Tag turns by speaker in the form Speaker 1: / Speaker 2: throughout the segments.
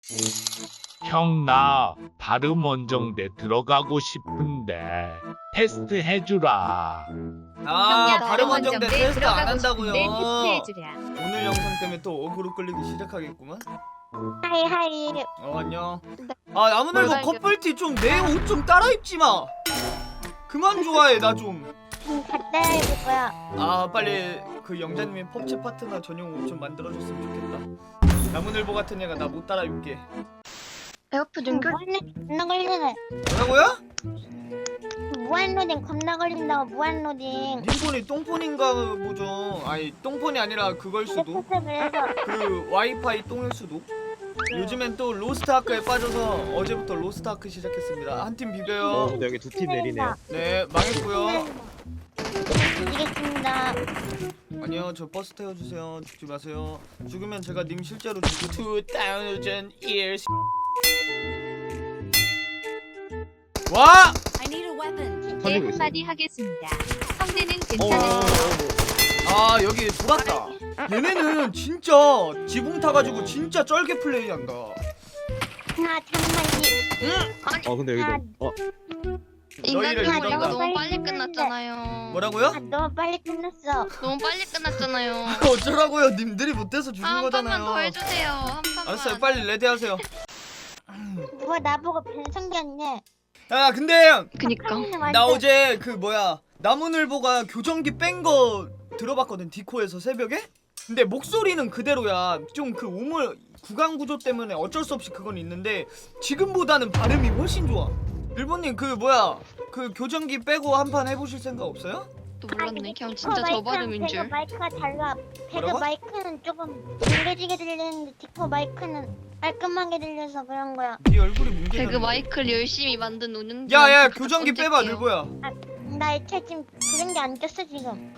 Speaker 1: 형, 나 발음 원정대 들어가고 싶은데 테스트 해주라.
Speaker 2: 아,
Speaker 3: 형님,
Speaker 2: 발음 원정대 테스트 안 한다고요.
Speaker 3: 테스트해주랴.
Speaker 2: 오늘 영상 때문에 또 어그로 끌리기 시작하겠구만.
Speaker 4: 하이.
Speaker 2: 안녕. 아, 나무늘보
Speaker 4: 뭘
Speaker 2: 커플티 좀 내 옷 좀 따라 입지 마. 그만 좋아해 나 좀.
Speaker 4: 갖다 해줄 거야.
Speaker 2: 아, 빨리 그 영자님이 펍체 파트너 전용 옷 좀 만들어줬으면 좋겠다. 나무늘보 같은 애가 나 못 따라 입게.
Speaker 4: 배고프 눈결 겁나 걸리네.
Speaker 2: 뭐라고요?
Speaker 4: 무한로딩 겁나 걸린다고 무한로딩.
Speaker 2: 님폰이 똥폰인가 보죠. 아니 똥폰이 아니라 그걸 수도.
Speaker 4: 그래서
Speaker 2: 그 와이파이 똥일 수도. 요즘엔 또 로스트아크에 빠져서 어제부터 로스트아크 시작했습니다. 한 팀 비벼요.
Speaker 5: 근데 여기 두 팀 내리네요.
Speaker 2: 네, 망했고요.
Speaker 4: 이겠습니다.
Speaker 2: 아니요, 저 버스 태워주세요. 죽지 마세요. 죽으면 제가 님 실제로 죽고 2000 years. 와!
Speaker 3: I need a weapon.
Speaker 5: 터지고
Speaker 3: 네,
Speaker 5: 있어요.
Speaker 3: 한마디 하겠습니다. 성대는
Speaker 2: 어,
Speaker 3: 괜찮은
Speaker 2: 아, 여기 돌았다. 얘네는 진짜 지붕 타가지고 진짜 쩔게 플레이한다.
Speaker 4: 하나 잠만이.
Speaker 5: 근데 여기도
Speaker 2: 너희를
Speaker 4: 인간적으로
Speaker 2: 믿었다.
Speaker 4: 너무 빨리 끝났잖아요.
Speaker 2: 뭐라고요?
Speaker 4: 너무 빨리 끝났어.
Speaker 6: 너무 빨리 끝났잖아요.
Speaker 2: 어쩌라고요? 님들이 못해서 죽은
Speaker 6: 한
Speaker 2: 거잖아요.
Speaker 6: 판만 더 해주세요. 한 판만.
Speaker 2: 알았어요, 빨리 레디하세요.
Speaker 4: 누가 나보고 변성기였네.
Speaker 2: 야, 근데
Speaker 6: 그니까.
Speaker 2: 나 어제 그 뭐야 나무늘보가 교정기 뺀 거 들어봤거든, 디코에서 새벽에. 근데 목소리는 그대로야. 좀 그 우물 구강 구조 때문에 어쩔 수 없이 그건 있는데 지금보다는 발음이 훨씬 좋아. 일본님 그 뭐야 그 교정기 빼고 한 판 해보실 생각 없어요?
Speaker 6: 또 몰랐네. 그냥 진짜 저 발음인
Speaker 4: 배그
Speaker 6: 줄.
Speaker 4: 마이크가 달라. 배그
Speaker 2: 뭐라고?
Speaker 4: 마이크는 조금 뭉개지게 들리는데 디코 마이크는 깔끔하게 들려서 그런 거야.
Speaker 2: 네 얼굴이 뭉개졌네.
Speaker 6: 배그 마이크를 열심히 만든 운영.
Speaker 2: 야야 교정기 빼봐 늘보야.
Speaker 4: 나 애초에 지금 그런 게 안 꼈어 지금.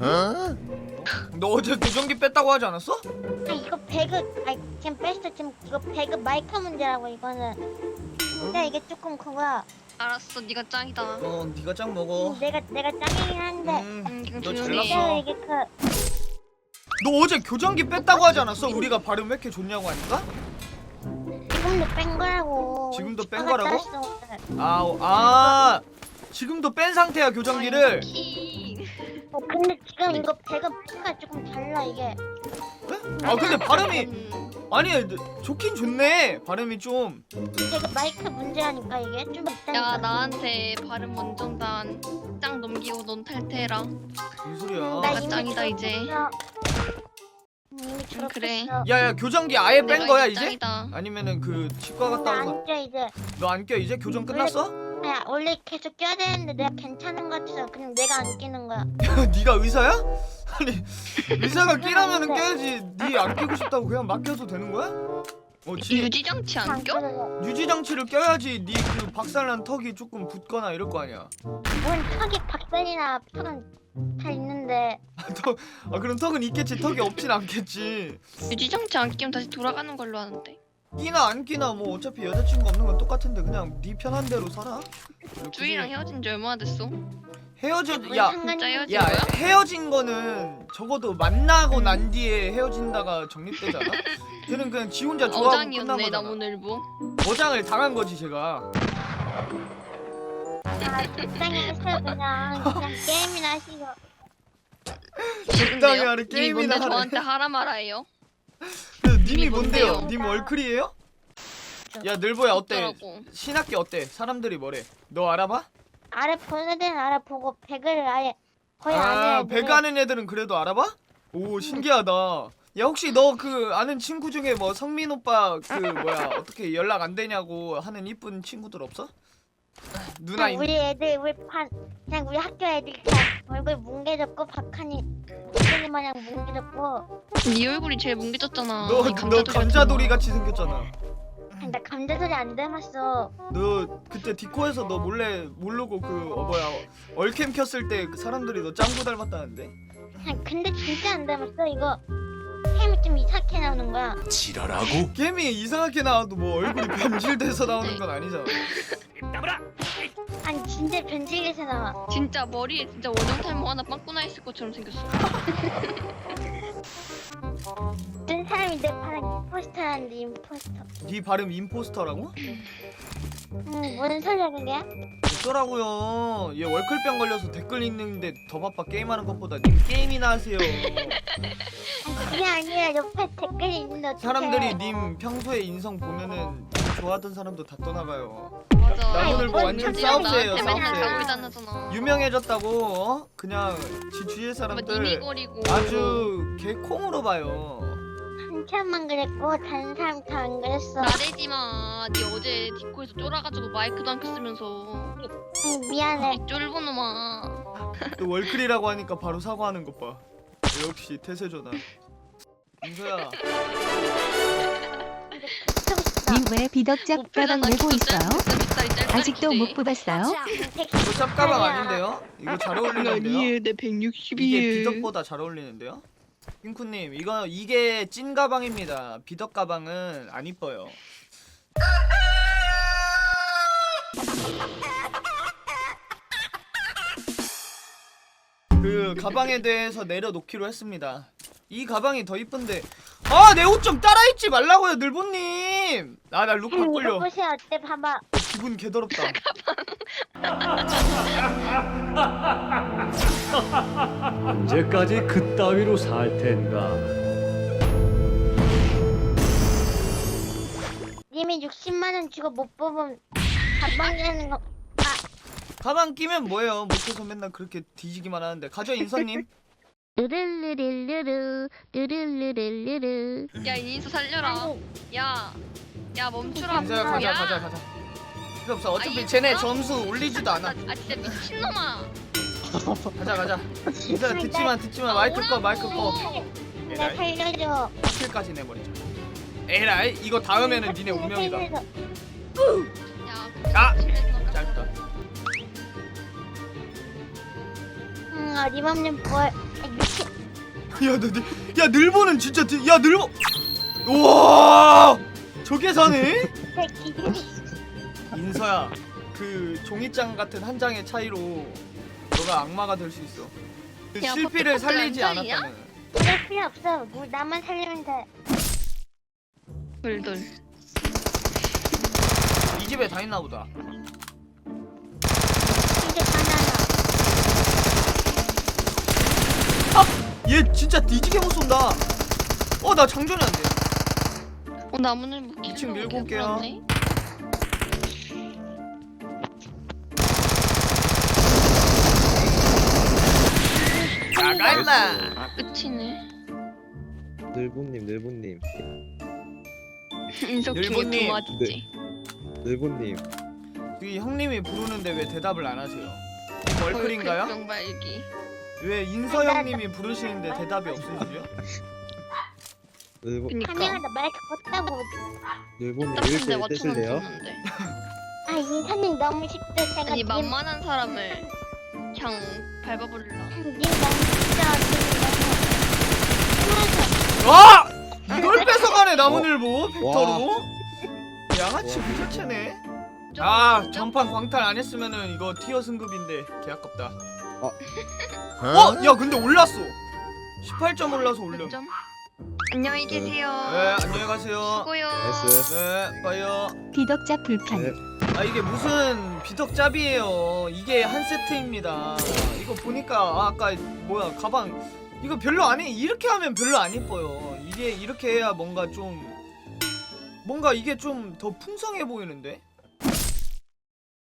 Speaker 2: 너 어제 교정기 뺐다고 하지 않았어?
Speaker 4: 아 이거 배그 지금 뺐어. 지금 이거 배그 마이크 문제라고 이거는. 근데 이게 조금 그거야.
Speaker 6: 알았어, 네가 짱이다.
Speaker 2: 어 네가 짱 먹어.
Speaker 4: 내가 짱이긴 한데.
Speaker 6: 그냥
Speaker 2: 너
Speaker 6: 조용히 해.
Speaker 2: 잘났어.
Speaker 4: 내가 이게
Speaker 2: 너 어제 교정기 뺐다고 하지 않았어? 우리가 발음 왜 이렇게 좋냐고 하니까?
Speaker 4: 지금도 뺀 거라고.
Speaker 2: 지금도 뺀
Speaker 4: 아까
Speaker 2: 거라고?
Speaker 4: 땄어, 오늘.
Speaker 2: 아 지금도 뺀 상태야 교정기를.
Speaker 6: 키.
Speaker 4: 근데 지금 이거 배그 마이크가 조금 달라 이게.
Speaker 2: 아 근데 발음이 아니 좋긴 좋네. 발음이 좀.
Speaker 4: 배그 마이크 문제라니까 이게 좀 있다니까.
Speaker 6: 야, 나한테 발음 원정단 짱 넘기고 넌 탈퇴해라.
Speaker 2: 무슨 소리야?
Speaker 4: 나
Speaker 6: 아,
Speaker 4: 이미
Speaker 6: 짱이다, 이제.
Speaker 4: 졸업했어. 이미 졸업했어.
Speaker 6: 그래.
Speaker 2: 야야 교정기 아예 뺀
Speaker 6: 내가
Speaker 2: 거야
Speaker 6: 이제
Speaker 2: 이제?
Speaker 6: 짱이다.
Speaker 2: 아니면은 그 치과 갔다 와서
Speaker 4: 나안 껴 이제.
Speaker 2: 너 안 껴 이제? 교정 끝났어?
Speaker 4: 야 원래 계속 껴야 되는데 내가 괜찮은 것 같아서 그냥 내가 안 끼는 거야.
Speaker 2: 네가 의사야? 아니 의사가 끼라면은 껴야지. 네 안 끼고 싶다고 그냥 막 껴도 되는 거야?
Speaker 6: 유지장치 안 껴?
Speaker 4: 껴?
Speaker 2: 유지 장치를 껴야지. 네 그 박살난 턱이 조금 붓거나 이럴 거 아니야.
Speaker 4: 뭔 턱이 박살이나 턱은 다 있는데.
Speaker 2: 그럼 턱은 있겠지. 턱이 없진 않겠지.
Speaker 6: 유지장치 안 끼면 다시 돌아가는 걸로 하는데.
Speaker 2: 끼나 안 끼나 뭐 어차피 여자친구 없는 건 똑같은데 그냥 네 편한 대로 살아.
Speaker 6: 주희랑 헤어진 지 얼마나 됐어?
Speaker 2: 헤어져. 야
Speaker 6: 진짜 헤어진
Speaker 2: 야
Speaker 6: 거야?
Speaker 2: 헤어진 거는 적어도 만나고 난 뒤에 헤어진다가 정립되잖아. 걔는 그냥 지 혼자 좋아하고 끝난
Speaker 6: 어장이었네,
Speaker 2: 거잖아.
Speaker 6: 나무늘보.
Speaker 2: 어장을 당한 거지 제가.
Speaker 4: 적당히 하세요 그냥 게임이나 하시고.
Speaker 2: 적당히 하는
Speaker 6: 님이
Speaker 2: 게임이나
Speaker 6: 뭔데
Speaker 2: 하래.
Speaker 6: 저한테 하라 말아요?
Speaker 2: 그래서 님이
Speaker 6: 님이
Speaker 2: 뭔데요?
Speaker 6: 뭔데요?
Speaker 2: 님 얼클이에요? 야 늘보야 어때?
Speaker 6: 어쩌라고.
Speaker 2: 신학기 어때? 사람들이 뭐래? 너 알아봐?
Speaker 4: 아래 보는 애들은 알아보고 배그를 아예 거의 안 해.
Speaker 2: 배그 하는 애들은 그래도 알아봐? 오 신기하다. 야 혹시 너 그 아는 친구 중에 뭐 성민 오빠 그 뭐야 어떻게 연락 안 되냐고 하는 이쁜 친구들 없어? 누나
Speaker 4: 그냥 우리 애들 그냥 우리 학교 애들 그냥 얼굴 뭉개졌고 박하니 목소리 마냥 뭉개졌고.
Speaker 6: 네 얼굴이 제일 뭉개졌잖아.
Speaker 2: 너
Speaker 6: 이
Speaker 2: 감자돌이 같이 생겼잖아.
Speaker 4: 나 감자소리 안 닮았어.
Speaker 2: 너 그때 디코에서 너 몰래 모르고 그 뭐야 얼캠 켰을 때그 사람들이 너 짱구 닮았다는데?
Speaker 4: 근데 진짜 안 닮았어. 이거 캠이 좀 이상하게 나오는 거야.
Speaker 1: 지랄하고?
Speaker 2: 게임이 이상하게 나와도 뭐 얼굴이 변질돼서 나오는 건 아니잖아.
Speaker 4: 아니 진짜 변질돼서 나와.
Speaker 6: 진짜 머리에 진짜 원형 탈모 하나 빵꾸나 있을 것처럼 생겼어.
Speaker 4: 어떤 사람이 아니 내 발음 임포스터란데 임포스터.
Speaker 2: 네 발음 임포스터라고?
Speaker 4: 뭔 소리야 그게?
Speaker 2: 어쩌라고요. 얘 월클병 걸려서 댓글 읽는데 더 바빠. 게임하는 것보다 님 게임이나 하세요.
Speaker 4: 그게 아니라 옆에 댓글이 있는데 어떡해.
Speaker 2: 사람들이 님 평소에 인성 보면은 좋아하던 사람도 다 떠나가요.
Speaker 6: 맞아.
Speaker 2: 나무늘 뭐 완전
Speaker 6: 민지랑
Speaker 2: 싸움새예요,
Speaker 6: 나한테 맨날
Speaker 2: 싸움새.
Speaker 6: 자고 다녔잖아.
Speaker 2: 유명해졌다고 어? 그냥 지 주위의
Speaker 6: 뭐
Speaker 2: 사람들
Speaker 6: 니미거리고.
Speaker 2: 아주 개콩으로 봐요.
Speaker 4: 한참만 그랬고 다른 사람 다 안 그랬어.
Speaker 6: 나대지 마. 니 어제 디코에서 쫄아가지고 마이크도 안 켰으면서.
Speaker 4: 미안해.
Speaker 6: 이 쫄보 놈아.
Speaker 2: 또 월클이라고 하니까 바로 사과하는 것 봐. 역시 태세전환. 민서야.
Speaker 5: 님 왜 비덕잡 가방 메고 있어요? 아직도 못 뽑았어요?
Speaker 2: 이거 짭가방 아닌데요? 이거 잘 어울리는데요?
Speaker 6: 내 160이에.
Speaker 2: 이게 비덕보다 잘 어울리는데요? 핑쿠님 이게 찐 가방입니다. 비덕 가방은 안 이뻐요. 그 가방에 대해서 내려놓기로 했습니다. 이 가방이 더 이쁜데 아 내 옷 좀 따라입지 말라고요 늘보님. 아 나 룩 바꾸려.
Speaker 4: 보세요 어때 봐봐.
Speaker 2: 기분 개더럽다.
Speaker 7: 언제까지 그따위로 살 텐가?
Speaker 4: 님이 60만 원 주고 못 뽑으면 가방 내는 거.
Speaker 2: 가방 끼면 뭐예요? 못해서 맨날 그렇게 뒤지기만 하는데. 가죠 인선님.
Speaker 4: 르르르르르 르르르르르.
Speaker 6: 야 인수 살려라. 야 멈추라.
Speaker 2: 인서야 가자. 필요 없어. 어차피
Speaker 6: 아이,
Speaker 2: 쟤네
Speaker 6: 어?
Speaker 2: 점수 올리지도 않아.
Speaker 6: 아 진짜 미친놈아.
Speaker 2: 가자. 인서야 듣지마. 마이크 꺼.
Speaker 4: 나 살려줘.
Speaker 2: 킬까지 내버리자. 에라이 이거 다음에는 니네 운명이다.
Speaker 6: 야.
Speaker 2: 아!
Speaker 6: 짧다.
Speaker 2: 짧다.
Speaker 4: 어림없는 뭘. 미친.
Speaker 2: 야 늘보는 진짜 야 늘보. 우와 저게 사네?
Speaker 4: 새끼.
Speaker 2: 인서야 그 종이장 같은 한 장의 차이로 너가 악마가 될 수 있어. 그
Speaker 6: 야,
Speaker 2: 실피를
Speaker 6: 퍼펙트
Speaker 2: 살리지
Speaker 6: 안전이야?
Speaker 2: 않았다면.
Speaker 4: 그럴 필요 없어. 뭐 나만 살리면 돼.
Speaker 6: 돌돌.
Speaker 2: 이 집에 다 있나 보다.
Speaker 4: 이제 바나나.
Speaker 2: 얘 진짜 뒤지게 못 쏜다. 나 장전이 안 돼.
Speaker 6: 나무늘 묶기.
Speaker 2: 2층 밀고 올게요. 나가 임마.
Speaker 6: 끝이네.
Speaker 8: 늘보님
Speaker 6: 인석 중에
Speaker 2: 늘보님.
Speaker 6: 두 맞지.
Speaker 8: 늘보님
Speaker 2: 이 형님이 부르는데 왜 대답을 안 하세요? 월클인가요?
Speaker 6: 명발기.
Speaker 2: 왜 인서 형님이 부르시는데 대답이 없으시죠?
Speaker 6: 그니까.
Speaker 4: 카메라다 마이크 껐다고.
Speaker 8: 늘보님
Speaker 6: 딱인데
Speaker 8: 1대1
Speaker 6: 맞춰놓은
Speaker 8: 떼실래요?
Speaker 6: 줬는데.
Speaker 4: 인사님 너무 쉽대. 제가
Speaker 6: 아니 만만한 사람을 그냥 밟아버릴라.
Speaker 4: 님 너무 쉽다.
Speaker 2: 와! 이걸 뺏어가네 나무늘보 벡터로. 양아치 부자체네. 전판 광탈 안 했으면은 이거 티어 승급인데 개 아깝다. 야 근데 올랐어. 18점 올라서 올려.
Speaker 6: 몇 점? 안녕히 계세요.
Speaker 2: 네 안녕히 가세요.
Speaker 6: 수고요.
Speaker 8: 나이스.
Speaker 2: 네 봐요.
Speaker 5: 비덕잡 불편.
Speaker 8: 네.
Speaker 2: 이게 무슨 비덕잡이에요. 이게 한 세트입니다. 이거 보니까 아까 뭐야 가방 이거 별로 안 해. 이렇게 하면 별로 안 이뻐요. 이게 이렇게 해야 뭔가 이게 좀 더 풍성해 보이는데.